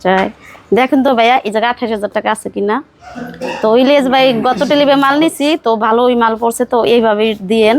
চাই দেখেন তো ভাইয়া এই জায়গায় 28,000 টাকা আছে কিনা। তো ইলিয়াস ভাই গত টেলিবে মাল নিছি তো ভালো ওই মাল পড়ছে তো এইভাবে দিয়েন।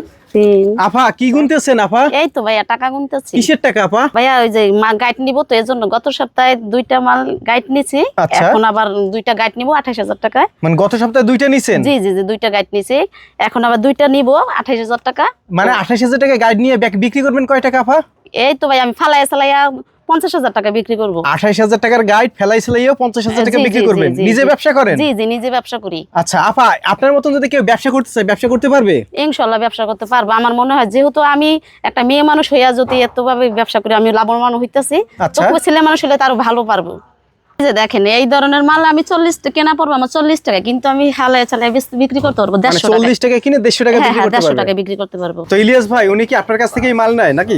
আপা কি গুনতেছেন আপা? এই তো ভাইয়া টাকা গুনতেছি। কিসের টাকা আপা? ভাইয়া ওই যে গাইড নিব তো এজন্য গত সপ্তাহে 2টা মাল গাইড নিছি, এখন আবার 2টা গাইড নিব 28,000 টাকায়। মানে গত সপ্তাহে 2টা নিছেন? জি জি জি 2টা গাইড নিছি, এখন আবার 2টা নিব 28,000 টাকা। মানে 28,000 টাকা গাইড নিয়ে বিক্রি করবেন কয় টাকা আপা? এই তো ভাই আমি ফালাইয়া 50,000 টাকা বিক্রি করব। 28,000 টাকার গাইড ফেলাইছিলাইও 50,000 টাকা বিক্রি করবেন? নিজে ব্যবসা করেন? জি জি নিজে ব্যবসা করি। আচ্ছা আপা, আপনার মতন যদি কেউ ব্যবসা করতে চায় ব্যবসা করতে পারবে? ইনশাআল্লাহ ব্যবসা করতে পারবো। আমার মনে হয় যেহেতু আমি একটা মেয়ে মানুষ হইয়া যদি এতভাবে ব্যবসা করি আমি লাভবান হইতাছি, তো ছেলে মানুষ হলে তারও ভালো পারবো। এই যে দেখেন এই ধরনের মাল আমি 40 টাকা কেনা পড়বো আমার 40 টাকা, কিন্তু আমি হালায় চালায় বিক্রি করতে পারবো 150 টাকা। 40 টাকা কিনে 150 টাকা বিক্রি করতে পারবে? 150 টাকা বিক্রি করতে পারবো। তো ইলিয়াস ভাই উনি কি আপনার কাছ থেকেই মাল নেয় নাকি?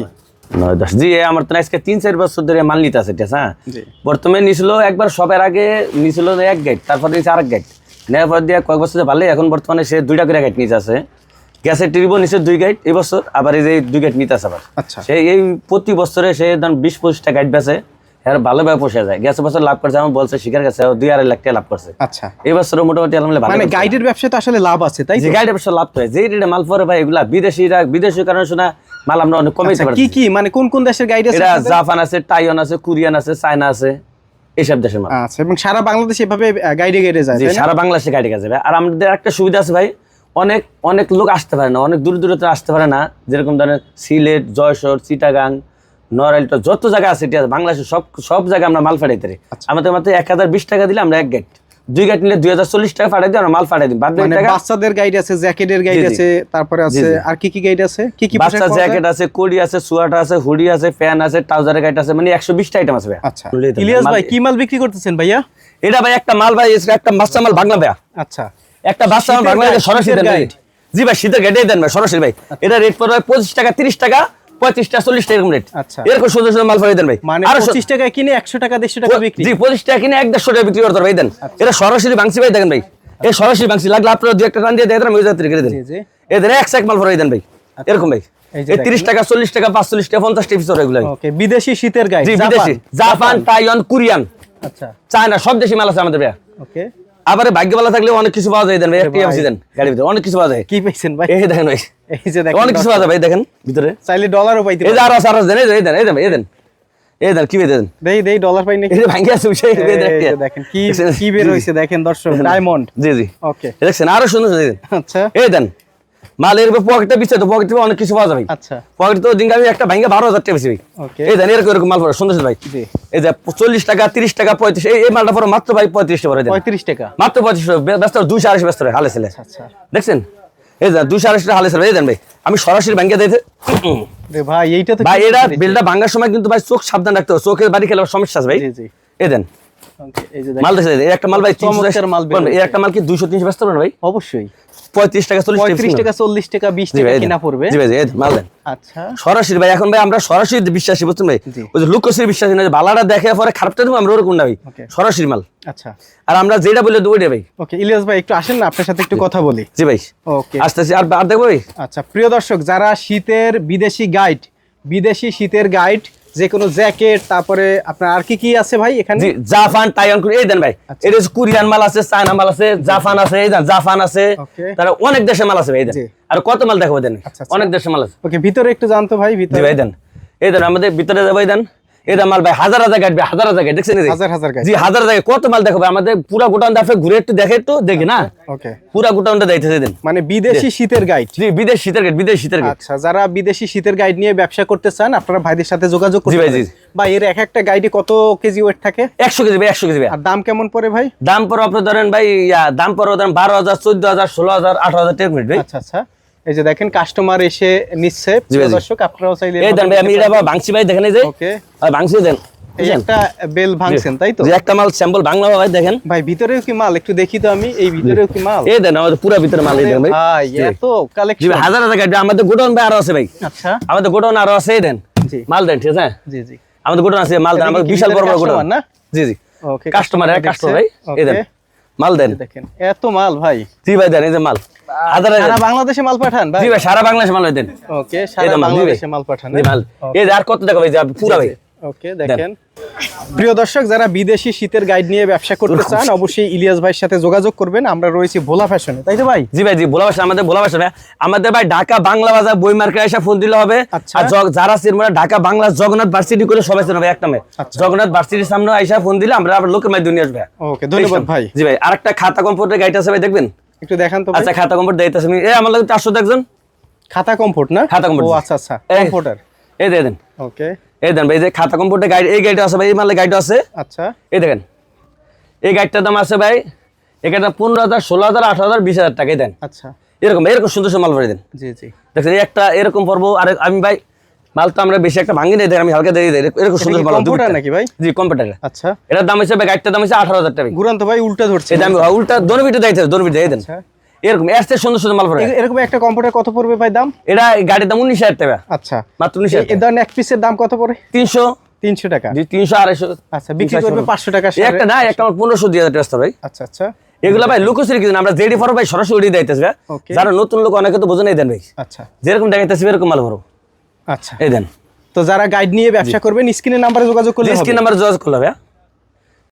জি আমার তো আজকে 3-4 বছর ধরে মাল নিতে আছে, ঠিক আছে। বর্তমানে নিছিল একবার সবের আগে নিছিল 1 গাইড, তারপর নিয়েছে আরেক গাইড, নেওয়ার পর দিয়ে কয়েক বছর ভালোই, এখন বর্তমানে সে 2টা করে গাইড নিতে আছে। গ্যাসের টিউবও নিচে 2 গাইড এই বছর, আবার এই যে 2 গাইড নিতে আছে আবার। সে এই প্রতি বছরে সে 20-25টা গাইড বেচে, এর ভালোভাবে পোষা যায়। গ্যাসের বছর লাভ করছে আমার বলছে শিকার কাছে 2-2.5 লাখ টাকা লাভ করছে। আচ্ছা এই বছর মোটামুটি আলহামদুলিল্লাহ ভালো। মানে গাইডের ব্যবসায় তো আসলে লাভ আছে তাই তো? গাইডের ব্যবসা লাভ করে, যে রেটে মাল পরে ভাই এগুলা বিদেশি কারণে শোনা মাল আমরা অনেক কমাইতে পারি। কি কি মানে কোন কোন দেশের গাইড আছে? এটা জাপান আছে, তাইওয়ান আছে, কোরিয়ান আছে, চায়না আছে, এইসব দেশের মাল। আচ্ছা, এবং সারা বাংলাদেশ এভাবে গাইডে যায়? জি সারা বাংলাদেশে গাইডে গেছে ভাই। আর আমাদের একটা সুবিধা আছে ভাই, অনেক অনেক লোক আসতে পারে না, অনেক দূর দূরত্ব আসতে পারে না, যেরকম ধরেন সিলেট, যশোর, চিটাগাং, নড়াইল, যত জায়গা আছে ঠিক আছে বাংলাদেশের সব জায়গায় আমরা মাল পাঠাইতে পারি। আমাদের মাত্র 1020 টাকা দিলে আমরা 1 গাইড, 2 গাইড নিলে 2040 টাকা পাঠাই দিই, আমরা মাল পাঠাই দিই। মানে বাচ্চাদের গাইড আছে, জ্যাকেটের গাইড আছে, তারপরে আছে আর কি কি গাইড আছে? কি কি বাচ্চা জ্যাকেট আছে, কোডি আছে, সোয়াটার আছে, হুডি আছে, ফ্যান আছে, ট্রাউজারের গাইড আছে, মানে 120টা আইটেম আছে ভাই। আচ্ছা ইলিয়াস ভাই কি মাল বিক্রি করতেছেন ভাইয়া? এটা ভাই একটা মাল ভাই, একটা বাচ্চা মাল বাংলা ভাই। আচ্ছা একটা বাচ্চা মাল বাংলা সরাসরি দেন ভাই। জি ভাই শীতের গাইডে দেন ভাই সরাসরি ভাই। এটা রেট পড়বে 25 টাকা, 30 টাকা, 35 টাকা, 40 টাকা এরকম রেট। আচ্ছা এরকম সুন্দর সুন্দর মাল পাই দেন ভাই। মানে 25 টাকা কিনে 100 টাকা 150 টাকা বিক্রি? জি 25 টাকা কিনে 150 টাকা বিক্রি করতে ভাই দেন। এটা সরাসরি বাংসি ভাই দেখেন ভাই, এই সরাসরি বাংসি লাগলে আপনারা 2 একটা টান দিয়ে দেন, আমি যাত্রী করে দেন। এদের এক সাইক মাল ভরাই দেন ভাই এরকম ভাই। এই 30 টাকা, 40 টাকা, 45 টাকা, 50 টাকা পিস এগুলো। ওকে বিদেশি শীতের গাইড? জি বিদেশি, জাপান, তাইওয়ান, কোরিয়ান, আচ্ছা চায়না, সব দেশি মাল আছে আমাদের ভাই। ওকে আবার ভাগ্য ভালো থাকলে অনেক কিছু পাওয়া যায় দেন ভাই। একটা এমসি দেন গাড়ির ভিতরে অনেক কিছু পাওয়া যায়। কি পাইছেন ভাই? এই দেখেন ভাই, এই যে দেখেন অনেক কিছু পাওয়া যায় ভাই, দেখেন ভিতরে চাইলে ডলারও পাইতে পারেন। এই যে আরো দেন, এই দেন এই দেন এই দেন এই দেন কি দেন দেই ডলার পাই নাকি? এই যে ভাঙ্গি আছে সেই দেখেন কি বের হইছে দেখেন দর্শক, ডায়মন্ড। জি জি ওকে দেখছেন আরো সুন্দর দেন। আচ্ছা এই দেন মালের পকেটে বিছে তো পকেটে অনেক কিছু পাওয়া যাবে। আচ্ছা পকেটে তো দিন আমি একটা ভাঙ্গা 12,000 টাকা বেশি ভাই। ওকে এই দেন এরকম মাল পড়ে সুন্দর ভাই। জি এই যে 40 টাকা, 30 টাকা, 35 এই মালটা পড়ে মাত্র ভাই 35 টাকা পড়ে দেন। 35 টাকা মাত্র 35 টাকা ব্যস্ত 280 ব্যস্ত হালে ছেলে। আচ্ছা দেখছেন এই যে 280 টাকা হালে ছেলে এই দেন ভাই। আমি সরাসরি ভাঙ্গা দিতে রে ভাই এইটা তো ভাই এটা বিলটা ভাঙার সময় কিন্তু ভাই চোখ সাবধান রাখতে হবে, চোখের বাড়ি খেলে সমস্যা আছে ভাই। জি জি এই দেন ওকে এই যে মাল দেখেন এই একটা মাল ভাই চমৎকার মাল বের এই একটা মাল কি 200-300 ব্যস্ত পারেন ভাই? অবশ্যই 35 টাকা, 35 টাকা, 40 টাকা, 20 টাকা কিনা পড়বে। জি ভাই এই মাল দেন আচ্ছা সরাসরি ভাই। এখন ভাই আমরা সরাসরি বিশ্বাসী বুঝছেন ভাই, ওই যে লুকোসির বিশ্বাসী না, যে বালাটা দেখে পরে খারাপটা দেবো আমরা ওরকম না ভাই, সরাসরি মাল। আচ্ছা আর আমরা যেটা বলে দেবো ওইটা ভাই। ওকে ইলিয়াস ভাই একটু আসেন না, আপনার সাথে একটু কথা বলি। জি ভাই ওকে আসতেছি আর দেখবো ভাই। আচ্ছা প্রিয় দর্শক, যারা শীতের বিদেশি শীতের গাইড, যে কোনো জ্যাকেট, তারপরে আপনার আর কি কি আছে ভাই এখানে? জি জাপান, তাইওয়ান, এই দেন ভাই। এটা কোরিয়ান মাল আছে, চায়না মাল আছে, জাপান আছে, এই দেন জাপান আছে, তার অনেক দেশের মাল আছে ভাই। এই দেন আর কত মাল দেখাবো দেন, অনেক দেশের মাল আছে। ওকে ভিতরে একটু জানতো ভাই, ভিতরে ভাই দেন এই দেন আমাদের ভিতরে যাবো। এই দেন এই মাল ভাই হাজার গাইড ভাই, হাজার গাইড দেখছেন? হাজার গাইড? জি হাজার জায়গায় কত মাল দেখাবো আমাদের পুরা গোটাউন দাফে ঘুরে একটু দেখে একটু দেখি না। ওকে পুরা গোটাউনটা দেখতেছে দেন। মানে বিদেশি শীতের গাইড? জি বিদেশি শীতের গাইড, বিদেশি শীতের গাইড। আচ্ছা যারা বিদেশি শীতের গাইড নিয়ে ব্যবসা করতে চান আপনারা ভাইদের সাথে যোগাযোগ করতে পারেন। ভাই এর এক একটা গাইডে কত কেজি ওয়েট থাকে? 100 কেজি ভাই, 100 কেজি ভাই। আর দাম কেমন পড়ে ভাই? দাম পড়ে আপনি ধরেন ভাই দাম পড়ে ধরেন 12,000, 14,000, 16,000, 18,000 টাকা মিনিট ভাই। আচ্ছা আচ্ছা এই যে দেখেন কাস্টমার এসে নিচ্ছে, দর্শক আপনারাও চাইলে এই দেন ভাই। আমি এটা ভাঙছি ভাই, দেখেন এই যে ওকে ভাঙছি দেন। এই একটা বেল ভাঙছেন তাই তো? যে একটা মাল স্যাম্পল বাংলা ভাই দেখেন। ভাই ভিতরেও কি মাল একটু দেখি তো আমি, এই ভিতরেও কি মাল? এই দেন আমাদের পুরো ভিতরে মাল এই দেন ভাই। ভাই এত কালেকশন। জি ভাই হাজার গাইড আমাদের গোডাউন ভাই আরো আছে ভাই। আচ্ছা আমাদের গোডাউন আরো আছে। এই দেন জি মাল দেন ঠিক আছে? জি জি আমাদের গোডাউন আছে, মাল দেন আমাদের বিশাল বড় বড় গোডাউন না? জি জি ওকে কাস্টমার ভাই। এই দেন মাল দেন দেখেন এত মাল ভাই। জি ভাই দেন এই যে মাল সারা বাংলাদেশে মাল পাঠান ভাই? জি ভাই সারা বাংলাদেশে মাল দেন। ওকে সারা বাংলাদেশে মাল পাঠান। জি মাল এই যে আর কত টাকা ভাই পুরো ভাই ওকে, দেখেন প্রিয় দর্শক, যারা বিদেশি শীতের গাইড নিয়ে ব্যবসা করতে চান অবশ্যই ইলিয়াস ভাইয়ের সাথে যোগাযোগ করবেন। আমরা রয়েছি ভোলা ফ্যাশনে, তাই তো ভাই? জি ভাই, জি ভোলা ভাষা, আমাদের ভোলা ভাষা আমাদের ভাই ঢাকা বাংলা বাজার বই মার্কেট এসে ফোন দিলে হবে। আচ্ছা। আর যারা চিনবে ঢাকা বাংলা জগন্নাথ ভার্সিটি করে সবাই চিনবে এক নামে। আচ্ছা। জগন্নাথ ভার্সিটির সামনে আইসা ফোন দিলে আমরা আবার লোকের মাধ্যমে নিয়ে আসবে। ওকে, ধন্যবাদ ভাই। জি ভাই, আরেকটা খাতা কম্পিউটার গাইড আছে ভাই, দেখবেন? একটু দেখান তো ভাই। আচ্ছা, খাতা কম্পিউটার দিতেছে আমি, আমার লাগে 400 দেখছেন? খাতা কমফোর্ট না? খাতা কম্পিউটার। ও আচ্ছা আচ্ছা, কমফোর্টার। এই দেন, ওকে, এই দেন ভাই, এই যে খাতা কম্পিউটার গাইড, এই গাইড আছে ভাই, এই মালে গাইড আছে। আচ্ছা, এই দেখেন, এই গাইডটার দাম আছে ভাই, এখানে 15,000, 16,000, 18,000, 20,000 টাকাই দেন। আচ্ছা, এরকম সুন্দর সুন্দর মাল ভরে দেন। জি জি। দেখছেন, এই একটা এরকম পড়বো। আর আমি ভাই মাল তো আমরা বেশি একটা ভাঙি নেই, আমি হালকা দিয়ে দেই, এরকম সুন্দর মাল। কম্পিউটার নাকি ভাই? জি, কম্পিউটার। আচ্ছা, এটার দাম হচ্ছে ভাই, গাইডটার দাম হচ্ছে 18,000 টাকা। ঘুরান তো ভাই, উল্টা ধরছে। এই দাম উল্টা দোনবিটা দিতে হবে, দোনবিটা দিয়ে দেন। আচ্ছা, এরকম এর চেয়ে সুন্দর সুন্দর মাল ভরে। এরকম একটা কম্পিউটার কত পড়বে ভাই দাম? এটা গাড়ির দাম 19,000 টাকা। আচ্ছা, মাত্র 19,000 এই ধরনের এক পিসের দাম কত পড়ে? 300 300 টাকা। জি, 300, 250। আচ্ছা, বিক্রি করবে 500 টাকা। এই একটা না, একটা আমার 1500 দিয়ে টাকা ভাই। আচ্ছা আচ্ছা, এগুলা ভাই লুকোচুরি কিছু না, আমরা জেডি ফর ভাই সরাসরি ওড়ি দিতেছি ভাই। ওকে। যারা নতুন লোক অনেকে তো বোঝে নাই দেন ভাই, আচ্ছা যেরকম দেখাইতেছি এরকম মাল ভরো। আচ্ছা, এই দেন, তো যারা গাইড নিয়ে ব্যবসা করবেন স্ক্রিনের নাম্বারে যোগাযোগ করলে হবে। স্ক্রিন নাম্বার যোগাযোগ করলে হবে।